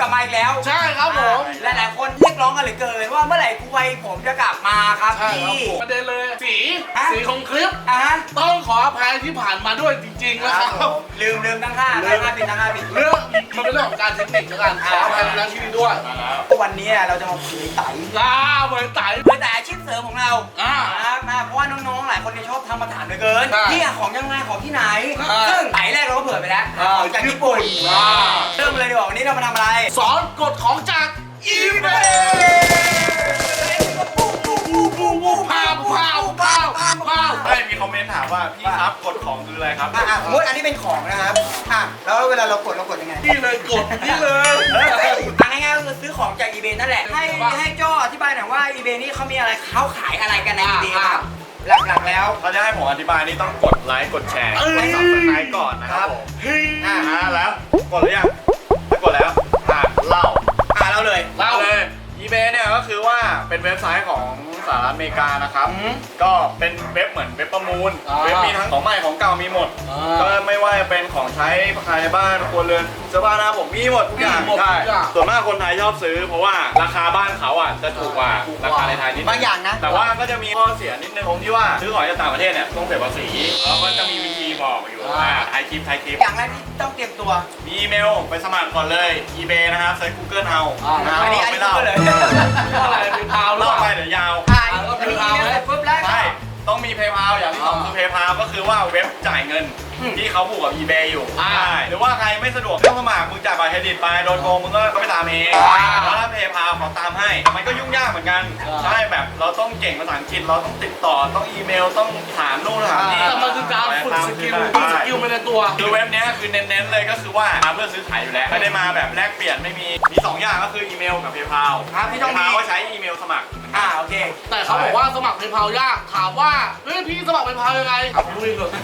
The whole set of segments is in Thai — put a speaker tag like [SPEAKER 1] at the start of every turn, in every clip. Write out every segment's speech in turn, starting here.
[SPEAKER 1] ลับมาอีกแล้ว
[SPEAKER 2] ใช่ครับผม
[SPEAKER 1] หลายๆคนเรียกร้องกันเหลือเกินว่าเมื่อไหร่กูไวผมจะกลับมาครับพี่
[SPEAKER 2] ประเด็นเลยสีของคลิปต้องขออภัยที่ผ่านมาด้วยจริงๆนะครับ
[SPEAKER 1] ลืมทั้ง5ผิด
[SPEAKER 2] เรื่องมันเป็นเรื่องของการเทคนิคแล้วกันขออภัยในที่นี้ด้วย
[SPEAKER 1] วันนี้เราจะมาคุยไต่
[SPEAKER 2] เหมือนไต่
[SPEAKER 1] อาชีพเสริมของเราเพราะว่าน้องๆหลายคนชอบทำมาถามเหลือเกินที่ของยังไงของที่ไหนซึ่งไต่แรกเราก็เผื่อไปแล้วของจากญี่ปุ่นเริ่มเลยดีกว่าวันนี้เรามาทำอะไร
[SPEAKER 2] สอนกฎของจากeBay
[SPEAKER 3] มีคอมเมนต์ถามว่าพี่ครับกดของคืออะไรครับ
[SPEAKER 1] สมมติอันนี้เป็นของนะครับแล้วเวลาเรากดยังไง
[SPEAKER 2] นี่เลยกดนี่เลย
[SPEAKER 1] ง่ายๆก็คือซื้อของจาก eBay นั่นแหละให้โจ้อธิบายหน่อยว่า eBay นี่เขามีอะไรเขาขายอะไรกันใน eBay ครับหลักๆแล้ว
[SPEAKER 3] เขาจะให้ผมอธิบายนี่ต้องกดไลค์กดแชร์กดซับสไครต์ก่อนนะครับผมแล้วกดหรือยังถ้ากดแล้วเล่าเลยeBay เนี่ยก็คือว่าเป็นเว็บไซต์ของสหรัฐอเมริกานะครับก็เป็นเว็บเหมือนเว็บประมูลเว็บมีทั้งของใหม่ของเก่ามีหมดก็ไม่ว่าจะเป็นของใช้ภายในบ้านครัวเรือนเสื้อผ้าหน้าผมมีหมดทุกอย่างใช่ส่วนมากคนไทยชอบซื้อเพราะว่าราคาบ้านเขาจะถูกกว่าราคาในไทยนิด
[SPEAKER 1] บางอย่างนะ
[SPEAKER 3] แต่ว่าก็จะมีข้อเสียนิดนึงตรงที่ว่าซื้อของจากต่างประเทศเนี่ยต้องเสียภาษีแล้วก็จะมีวิธีบอกอยู่ไทยคลิป
[SPEAKER 1] อย่างแรกที่ต้องเตรียมตัว
[SPEAKER 3] มีอีเมลไปสมัครก่อนเลย eBay นะครับเซิร์ช Google เอา
[SPEAKER 1] อันนี้ไม่เล่า
[SPEAKER 3] เลย
[SPEAKER 2] อะไรเป็นพาว
[SPEAKER 3] เล่าไปเดี๋ยวยาว
[SPEAKER 1] อันนี้อีเมลเสร็จปุ๊บแล้ว
[SPEAKER 3] ใช่ต้องมี PayPal อย่างที่สองคือ PayPal ก็คือว่าเว็บจ่ายเงินที่เขาผูกกับ eBay อยู่ใช่หรือว่าใครไม่สะดวกต้องสมัครมึงจ่ายบัตรเครดิตไปโดนโกงมึงก็ไปตามเองแล้วถ้า PayPal เขาตามให้แต่มันก็ยุ่งยากเหมือนกันใช่แบบเราต้องเก่งภาษาอังกฤษเราต้องติดต่อต้องอีเมลต้องถามนู่นถามนี่
[SPEAKER 2] แต่มันคือการฝึกสกิลไปในตัว
[SPEAKER 3] คือเว็บนี้คือเน้นๆเลยก็คือว่ามาเพื่อซื้อขายอยู่แล้วไม่ได้มาแบบแลกเปลี่ยนไม่มี2อย่างก็คืออีเมลกับ PayPal
[SPEAKER 1] พี่ต้อง
[SPEAKER 3] มีว่าใช้อีเมลสมัคร
[SPEAKER 1] โอเค
[SPEAKER 2] แต่เขาบอกว่าสมัครPayPalยากถามว่าเฮ้ยพี่สมัครPayPalยังไงดูเองเลย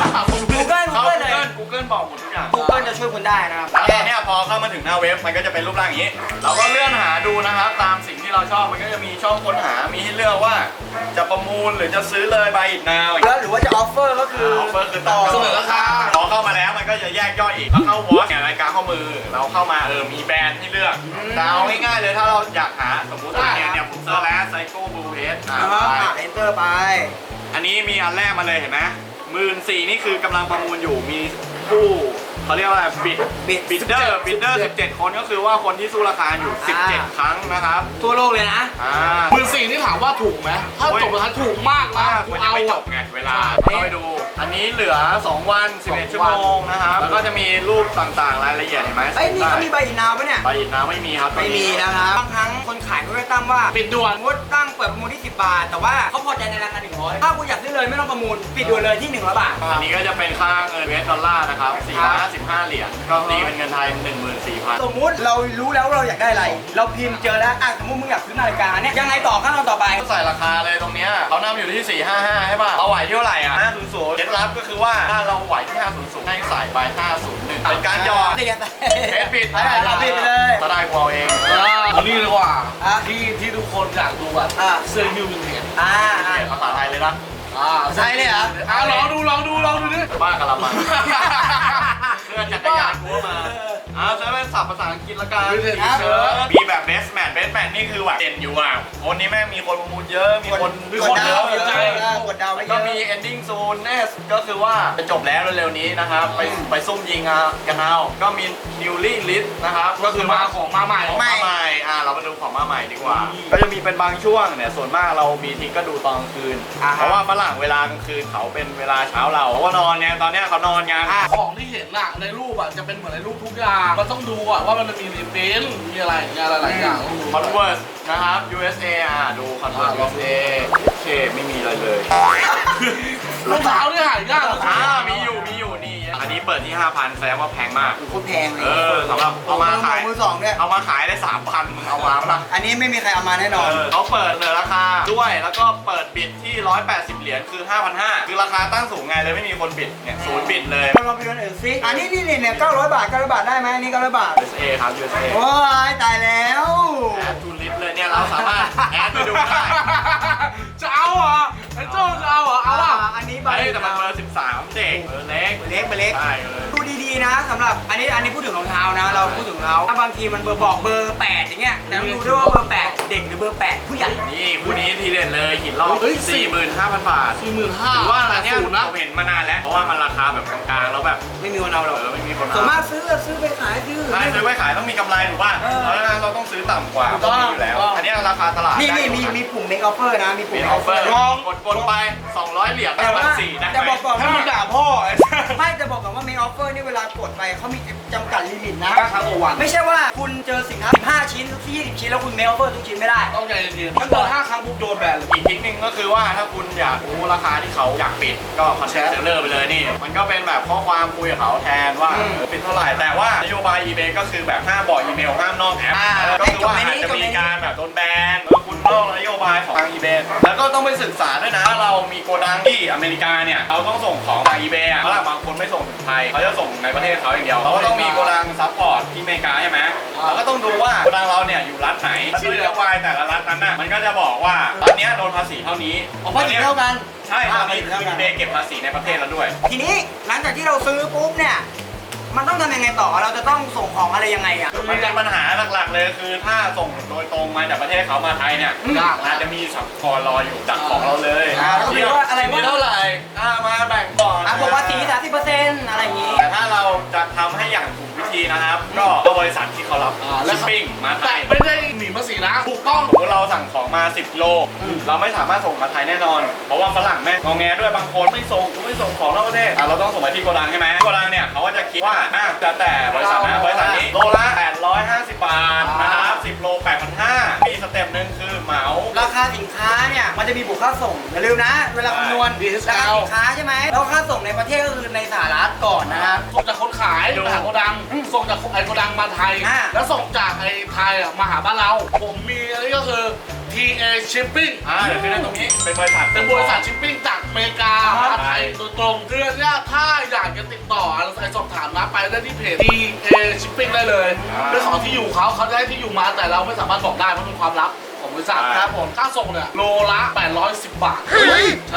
[SPEAKER 3] Google บอกหมดทุกอย่าง
[SPEAKER 1] Google จะช่วยคุณได้นะครับ
[SPEAKER 3] แล้วเนี่ยพอเข้ามาถึงหน้าเว็บมันก็จะเป็นรูปร่างอย่างนี้เราก็เลื่อนหาดูนะครับตามสิ่งที่เราชอบมันก็จะมีช่องค้นหามีให้เลือกว่าจะประมูลหรือจะซื้อเลยby it now
[SPEAKER 1] แล้วหรือว่าจะ offer ก็คือ
[SPEAKER 3] offer คือต่อ
[SPEAKER 2] เสนอราคา
[SPEAKER 3] พอเข้ามาแล้วมันก็จะแยกย่อยอีกแล้วเข้าวอชเนี่ยรายการข้อมือเราเข้ามามีแบรนด์ให้เลือกแต่เอาง่ายๆเลยถ้าเราอยากหาสมมุติเนี่ยผมเซิร์ชแล้วไซโก้บลูเฮด
[SPEAKER 1] enter ไป
[SPEAKER 3] อันนี้มีอันแรกมาเลยเห็นไหม14,000นี่คือกำลังประมูลอยู่มีผู้เขาเรียกว่าบิดเดอร์17คนก็คือว่าคนที่สู้ราคาอยู่17ครั้งนะครับ
[SPEAKER 1] ทั่วโลกเลยนะ
[SPEAKER 2] 14,000นี่ถามว่าถูกไหมถ้าจบราคาถูกมากนะ
[SPEAKER 3] มันยังไม่จบไงเวลาเข้าไปดูอันนี้เหลือ2วัน11ชั่วโมงนะครับแล้วก็จะมีรูปต่างๆรายละเอียดเห็นไหม
[SPEAKER 1] นี่เขามีใบอินนาวปะเนี่ย
[SPEAKER 3] ใบอินนาวไม่มีครับ
[SPEAKER 1] ไม่มีนะครับบางครั้งคนขายก็ได้ตั้งว่า
[SPEAKER 2] ปิดด่วน
[SPEAKER 1] งดตั้งเปิดประมูลที่10 บาทแต่ว่าเขาพอใจในราคา100ถ้าคุณอยากซื้อเลยไม่ต้องประมูลปิดด่วนเลยที่100 บาท
[SPEAKER 3] อันนี้ก็จะเป็นค่าเงินUS ดอลลาร์นะครับ455 เหรียญก็ตีเป็นเงินไทย 14,000
[SPEAKER 1] สมมุติเรารู้แล้วเราอยากได้อะไรเราพิมพ์เจอแล้วสมมุติมึงอยากซื้อนาฬิกาเนี่ยยังไงต่อขั้นตอนต่อไป
[SPEAKER 3] ใส่ราคาเลยตรงนี้เขานำอยู่ที่455ใช่ป่ะเราไหวที่เท่าไหร่500เคล็ดลับก็คือว่าถ้าเราไหวที่500ให้ใส่ไป501เป็นการหยอดเทสปิด
[SPEAKER 1] เราปิดเลย
[SPEAKER 3] ก็ได้กูเอาเอง
[SPEAKER 2] นี่เลยว่าที่ทุกคนอยากดูเสื้อยูวินเทจ
[SPEAKER 3] ภาษาไทยเลยนะ
[SPEAKER 1] ใช่เลยเหรอ
[SPEAKER 2] ลองดูดิ
[SPEAKER 3] บ้ากะละมังเพื่อนจักรยานกูมาใช้เป็นศัพท์ภาษาอังกฤษละกันมีแบบเบสแมทนี่คือแบบเด่นอยู่คนนี้แม่งมีคนประมูลเยอะมีคนเยอะก็มี ending soon ก็คือว่าจะจบแล้วเร็วๆนี้นะครับไปซุ่มยิงกันเอาก็มี newly list นะครับ
[SPEAKER 2] ก็คือมาของมาใหม่
[SPEAKER 3] เรามาดูของมาใหม่ดีกว่าก็จะมีเป็นบางช่วงเนี่ยส่วนมากเรามีทีก็ดูตอนกลางคืนเพราะว่าฝรั่งเวลากลางคืนเขาเป็นเวลาเช้าเราเพราะว่านอนไงตอนนี้เขานอนไง
[SPEAKER 2] ของที่เห็นในรูปจะเป็นเหมือนในรูปทุกอย่างมันต้องดูว่ามันมีรีพินมีอะไรหลายอย่าง
[SPEAKER 3] Converse นะครับ USA ดู Converse USA โอเคไม่มีอะไรเลย
[SPEAKER 2] รองเท้าเนี่ยหายาก
[SPEAKER 3] มีอยู่นี่อันนี้เปิดที่ 5,000 แสดงว่าแพงมาก
[SPEAKER 1] โคตรแพงเลย
[SPEAKER 3] สำหรับเอามาขาย
[SPEAKER 1] มือสองเนี่ย
[SPEAKER 3] เอามาขายได้ 3,000 มึงเอามาปะ
[SPEAKER 1] อันนี้ไม่มีใครเอามาแน่นอน
[SPEAKER 3] เขาเปิดเหนือราคาด้วยแล้วก็เปิดบิดที่180 เหรียญคือ 5,500 คือราคาตั้งสูงไงเลยไม่มีคนบิดเนี่ยศูนย์บิดเลย
[SPEAKER 1] ลองไปดูอื่นสิอันนี้เนี่ย900 บาทได้ไหมนี่900 บาท
[SPEAKER 3] USA ครับ USA
[SPEAKER 1] โอ้ยตายแล้ว
[SPEAKER 3] แอดทูลิสเลยเนี่ยเราสามารถแอดไปดูได้
[SPEAKER 2] จะเอาไอ้โจ้จะเอา
[SPEAKER 1] อันนี้
[SPEAKER 3] ใบแต่มันเบอร์13เด็กเล็ก
[SPEAKER 1] ดูดีๆนะสำหรับอันนี้พูดถึงรองเท้านะเราพูดถึงรองเท้าถ้าบางทีมันบอกเบอร์8อย่างเงี้ยแต่ต้องดูด้วยว่าเบอร์8เด็กหรือเบอร์8ผู้ใหญ่
[SPEAKER 3] นี่คู่นี้ทีเด็ดเลยหินรอบ 45,000 บาท
[SPEAKER 2] 45,000
[SPEAKER 3] ถือว่าอันเนี้ย
[SPEAKER 2] สูงนะ
[SPEAKER 3] ผมเห็นมานานแล้วเพราะว่ามันราคาแบบกลางๆแล้วแบบ
[SPEAKER 1] ไม่มีคนเอาหรอก
[SPEAKER 3] ไม่มีคน
[SPEAKER 1] ส่วน
[SPEAKER 3] เอา
[SPEAKER 1] มากซื้อไปขายซื้อ
[SPEAKER 3] ใช่ซื้อไปขายต้องมีกำไรถูกป่ะแล้วเราต้องซื้อต่ำกว่าต้องมีอยู่แล้วอันนี้ราคาตลาด
[SPEAKER 1] นี่มีปุ่ม make offer นะมีปุ่ม
[SPEAKER 3] เป็น
[SPEAKER 1] make
[SPEAKER 3] ออฟเฟอ
[SPEAKER 1] offer
[SPEAKER 3] ร์กดไป200 เหรียญ
[SPEAKER 1] แต่ว่า
[SPEAKER 3] 4ได้
[SPEAKER 1] แต่บอกก่อน
[SPEAKER 2] ให้
[SPEAKER 1] ว่า
[SPEAKER 2] มึงด่าพ่อ
[SPEAKER 1] ไม่จะบอกก่อนว่า make offer นี่เวลากดไปเขามีจำกัดลิมิตนะ
[SPEAKER 2] ครั้งต่อวัน
[SPEAKER 1] ไม่ใช่ว่าคุณเจอสินค้า15 ชิ้น20 ชิ้นแล้วคุณ make offer ทุกชิ้นไม่ได้
[SPEAKER 2] ต้องใจเย็นๆถ้าเกิด5 ครั้งปุ๊บโดนแบนเลย
[SPEAKER 3] อีกทริคนึงก็คือว่าถ้าคุณอยากรู้ราคาที่เขาอยากปิดก็คอนแทคเซลเลอร์ไปเลยนี่มันก็เป็นแบบข้อความคุยกับเขาแทนว่าปิดเท่าไหร่แต่ว่านโยบาย eBay ก็คือแบบห้ามบอกอีเมลห้ามนอกแอปก็คือว่าอาจจะมีการแบบโดนแบนคุณนอกนโยบายของทาง eBay แล้วก็ต้องไปศึกษาด้วยนะเรามีโกดังที่อเมริกาเนี่ยเราต้องส่งของทาง eBay เพราะบางคนไม่ส่งถึงไทยเขาจะส่งในประเทศเขาอย่างเดียวเราก็ต้องมีโกดังซัพพอร์ตที่อเมริกาใช่ไหมเราก็ต้องดูว่าโกดังเราเนี่ยอยู่รัฐไหนนโยบายแต่ละรัฐนั้นน่ะมันก็จะบอกว่ารัฐเนี้ยโดนภาษีเท่านี้
[SPEAKER 1] ภาษีเท่ากัน
[SPEAKER 3] ใช่ตอนนี้คือ eBay เก็บภาษีในประเทศแล้วด้วย
[SPEAKER 1] ทีนี้หลังจากที่เราซื้อปุ๊บเนี่ยมันต้องทำยังไงต่อเราจะต้องส่งของอะไรยังไงอ่ะ
[SPEAKER 3] มันเป็นปัญหาหลักๆเลยคือถ้าส่งโดยตรงมาจากประเทศเขามาไทยเนี่ยอาจจะมีสัมภาระรออยู่ดักของเราเลย
[SPEAKER 1] ก็คือว่าอะไร
[SPEAKER 3] มี
[SPEAKER 1] ว่า
[SPEAKER 3] เท่าไหร่มาแบ่งก่อน
[SPEAKER 1] บอกว่า30%อะไรอย่างงี้
[SPEAKER 3] แต่ถ้าเราจะทำให้อย่างถูกวิธีนะครับ ก็เอาบริษัทที่เขารับชิปปิ้งมาไท
[SPEAKER 2] แต่
[SPEAKER 3] ย
[SPEAKER 2] ไม่ได้หนีภาษีนะถูกต้อง
[SPEAKER 3] สมมติเราสั่งของมา10 โลเราไม่สามารถส่งมาไทยแน่นอน เพราะว่าฝรั่งแม่งงอแงด้วยบางคนไม่ส่งของนอกประเทศเราต้องส่งมาที่โกดังใช่ไหมโกดังเนี่ยเขาก็จะคิดว่าจะแต่บริษัทนะบริษัทนี้โลละ850 บาทนะครับ10 โล 8,500มีสเต็ปหนึ่งคือเหมา
[SPEAKER 1] ราคาสินค้าเนี่ยมันจะมีบวกค่าส่งอย่าลืมนะเวลาคำนวณราคาสินค้าใช่ไหมแล้วค่าส่งในประเทศก็คือในสหรัฐก่อนนะครับ
[SPEAKER 2] ส่งจากคนขายมาหาโกดังส่งจากไอ้โกดังมาไทย แล้วส่งจากไอ้ไทยมาหาบ้านเรา ผมมีอันนี้ก็คือ TA Shipping
[SPEAKER 3] เดี๋ยวขึ้นตรงนี้เป็นบริษัท
[SPEAKER 2] เป็นบริษัทชิปปิ้งจากอเมริกามาไทยโดยตรงคือเนี่ยถ้าอยากจะติดต่ออะไรสอบถามนะไปได้ที่เพจ TA Shipping ได้เลยเรื่องของที่อยู่เขาจะให้ที่อยู่มาแต่เราไม่สามารถบอกได้เพราะเป็นความลับของบริษัทครับผมค่าส่งเนี่ยโลละ810 บาทใช่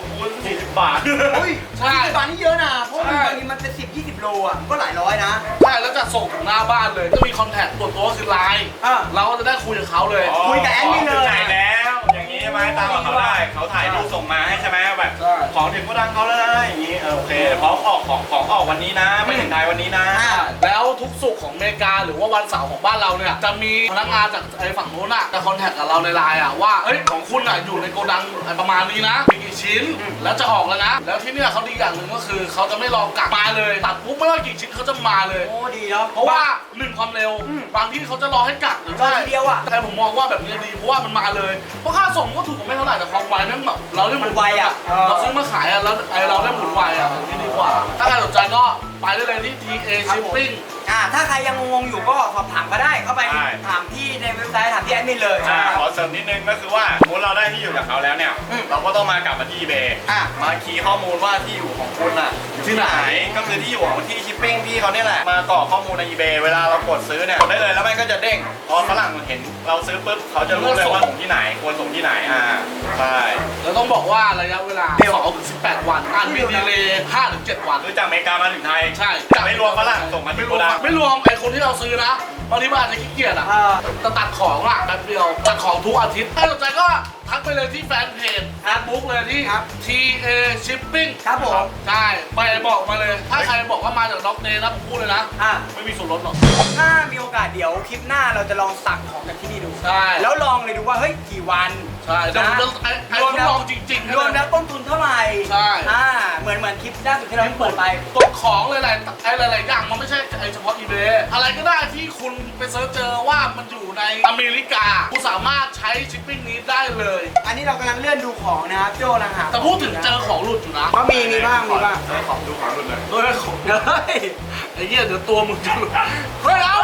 [SPEAKER 3] 40 บาท
[SPEAKER 2] ใช่
[SPEAKER 1] ตอนนี้เยอะนะเพราะบางทีมันเป็น10-20 โลอ่ะก็หลายร้อยนะ
[SPEAKER 2] ใช่แล้วจะส่งถึงหน้าบ้านเลยจะมีคอนแทคตัวตัวคือไลน์เราก็จะได้คุยกับเขาเลย
[SPEAKER 1] คุยกับแอดมินเลย
[SPEAKER 3] ถ่ายแล้วอย่างนี้ใช่ไหมตามกับเขาได้เขาถ่ายรูปส่งมาให้ใช่ไหมแบบของถึงโกดังเขาแล้วนะอย่างนี้โอเคพร้อมออกของออกวันนี้นะไปถึงไทยวันนี้นะ
[SPEAKER 2] แล้วทุกสุขของอเมริกาหรือว่าวันเสาร์ของบ้านเราเนี่ยจะมีพนักงานจากไอ้ฝั่งโน้นอ่ะจะคอนแทคกับเราในไลน์อ่ะว่าเอ้ยของคุณอ่ะอยู่ในโกดังประมาณนี้นะมีกี่ชิ้นแล้วจะออกแล้วนะแล้วที่เนี่ยเขาดีอย่างหนึ่งก็คือเขาจะไม่รอกักมาเลยตัดปุ๊บไม่ว่ากี่ชิ้นเขาจะมาเลย
[SPEAKER 1] โอ้ดีเนาะ
[SPEAKER 2] เพราะว่า1ความเร็วบางที่เขาจะรอให้กักหรือ
[SPEAKER 1] รอทีเดียวอ่ะ
[SPEAKER 2] แต่ผมมองว่าแบบนี้ดีเพราะว่ามันมาเลยเพราะค่าส่งก็ถูกกว่าไม่เท่าไหร่แต่ความไวนั่นแบบเราได้หมุน
[SPEAKER 1] มันไวอะ
[SPEAKER 2] เราซื้อมาขายอ่ะแล้วไอเราได้หมุนไวอ่ะนี่ดีกว่าถ้าใครสนใจก็ไปได้เลยที่ TA Shipping
[SPEAKER 1] ถ้าใครยังงงๆอยู่ก็สอบถามก็ได้เข้าไปถามที่ในเว็บไซต์ถามที่แอดมินเลย
[SPEAKER 3] ขอเสริมนิดนึงก็คือว่าสมมติเราได้ที่อยู่จากเขาแล้วเนี่ยเราก็ต้องมากลับมาที่ eBay มาคีย์ข้อมูลว่าที่อยู่ของคุณอ่ะอยู่ที่ไหนก็คือที่อยู่ของที่ชิปปิ้งที่เขาเนี่ยแหละมากรอกข้อมูลใน eBay เวลาเรากดซื้อเนี่ยกดได้เลยแล้วมันก็จะเด้งพอฝรั่งเห็นเราซื้อปุ๊บเขาจะรู้เลยว่าส่งที่ไหนควรส่งที่ไหนใช่
[SPEAKER 2] แล้วต้องบอกว่าระยะเวลา2 ถึง 18 วันมีดีเลย์5 ถึง 7 วัน
[SPEAKER 3] คือจากอเมริกามาถึงไทย
[SPEAKER 2] ใช่
[SPEAKER 3] ไม่รวมฝรั่งส่งมาที่โกดัง
[SPEAKER 2] ไม่รวมไอคนที่เราซื้อนะบางทีมันอาจจะขี้เกียจอ่ะจะตัดของอ่ะแป๊บเดียวตัดของทุกอาทิตย์ถ้าสนใจก็ทักไปเลยที่แฟนเพจแอดบุ๊กเลยที่ TA Shipping
[SPEAKER 1] ครับผม
[SPEAKER 2] ใช่ไปบอกมาเลย ถ้าใครบอกว่ามาจากด็อกเดย์นะผมพูดเลยนะไม่มีส่วนลดหรอก
[SPEAKER 1] ถ้ามีโอกาสเดี๋ยวคลิปหน้าเราจะลองสั่งของจากที่นี่ดู
[SPEAKER 2] ใช่
[SPEAKER 1] แล้วลองเลยดูว่าเฮ้ยกี่วัน
[SPEAKER 2] ใช่เดี๋ยวผมจะไอ้ทดลองจริงๆ
[SPEAKER 1] รวมแล้วต้นทุนเท่าไหร่
[SPEAKER 2] ใช่
[SPEAKER 1] เหมือนคลิปล่าสุดที่เราเปิดไป
[SPEAKER 2] กดของหลายๆอย่างมันไม่ใช่ไอเฉพาะ eBay อะไรก็ได้ที่คุณไปเซิร์ชเจอว่ามันอยู่ในอเมริกาคุณสามารถใช้ชิปปิ้งนี้ได้เลย
[SPEAKER 1] อันนี้เรากำลังเลื่อนดูของนะครับโจ้นะฮะ
[SPEAKER 2] แต่พูดถึงเจอของหลุดอยู่นะ
[SPEAKER 1] ก็มีบ้าง
[SPEAKER 3] ของดูของรุ่นเลย
[SPEAKER 2] เฮ้ยของไอ้เหี้ยเดี๋ยวตัวมึงจะหลุดเฮ้ยเอา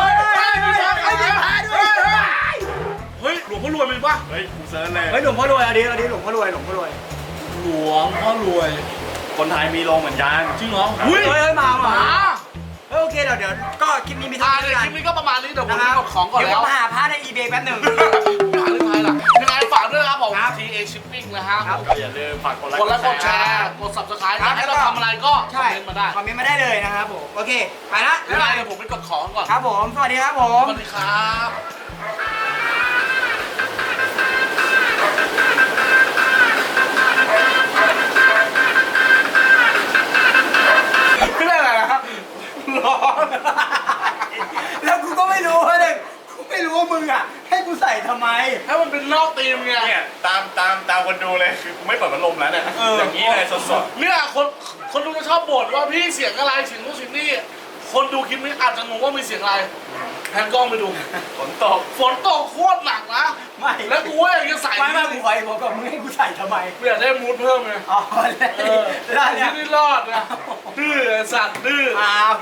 [SPEAKER 2] เฮ้ยหลวงพ่อรวยมีปะ
[SPEAKER 3] เฮ้ยกูเซิร์ชเลย
[SPEAKER 1] เฮ้ยหลวงพ่อรวยอันนี้หลวงพ่อรวย
[SPEAKER 2] หลวงพ่อรวย
[SPEAKER 3] คนไทยมีลงเหมือนกัน
[SPEAKER 2] จริงเหรอ
[SPEAKER 1] เฮ้ยมาโอเคเดี๋ยวก็คลิปนี้มีเท่านี้
[SPEAKER 2] คลิปนี้ก็ประมาณนี้เดี๋ยวผมกดของก่อน
[SPEAKER 1] เดี๋ยว
[SPEAKER 2] แล้ว
[SPEAKER 1] ผมหาพาร์ทใน eBay แป๊บหนึ่ง
[SPEAKER 2] ไม่หาเรื่องไทยล่ะยังไงฝากด้วยนะครับผม TA Shipping นะฮะ
[SPEAKER 3] ก็อย่าลืมฝากกดไลค์
[SPEAKER 2] กดไลค์กดแชร์กด Subscribe อยากให้เราทำอะไรก็คอม
[SPEAKER 1] ใช่
[SPEAKER 2] เมนต์มาได้
[SPEAKER 1] คอมเมนต์มาได้เลยนะครับผมโอเคไปละ
[SPEAKER 2] เดี๋ยวผมไปกดของก่อน
[SPEAKER 1] ครับผมสวัสดีครับผม
[SPEAKER 2] สวัสดีครับไม่ได้อะไรนะครับร้อน
[SPEAKER 1] แล้วกูก็ไม่รู้ว่าเลยกูไม่รู้ว่ามึงอ่ะให้กูใส่ทำไม
[SPEAKER 2] ให้มันเป็นนอกธีมไง
[SPEAKER 3] เนี่ยตามคนดูเลยคือกูไม่เปิดพัดลมแล้วเนี่ยอย่างนี้เลยสด
[SPEAKER 2] เนี่ยคนดูจะชอบบ่นว่าพี่เสียงอะไรเสียงนู้นเสียงนี่คนดูคลิปนี้อาจจะงงว่ามีเสียงอะไรแพนกล้องไปดู
[SPEAKER 3] ๆฝนตก
[SPEAKER 2] ฝนตกโคตรหนักนะ
[SPEAKER 1] ไม่
[SPEAKER 2] แล้วกูว่าอยากจะใส่
[SPEAKER 1] ไม่กูขออีกบอกก่อนมึงให้กูใส่ทำไม
[SPEAKER 2] กูอยากได้มูดเพิ่มไง
[SPEAKER 1] อ๋อแล้ว
[SPEAKER 2] นี่รอดนะดื้อสัตว์ดื้อ
[SPEAKER 1] อ้าว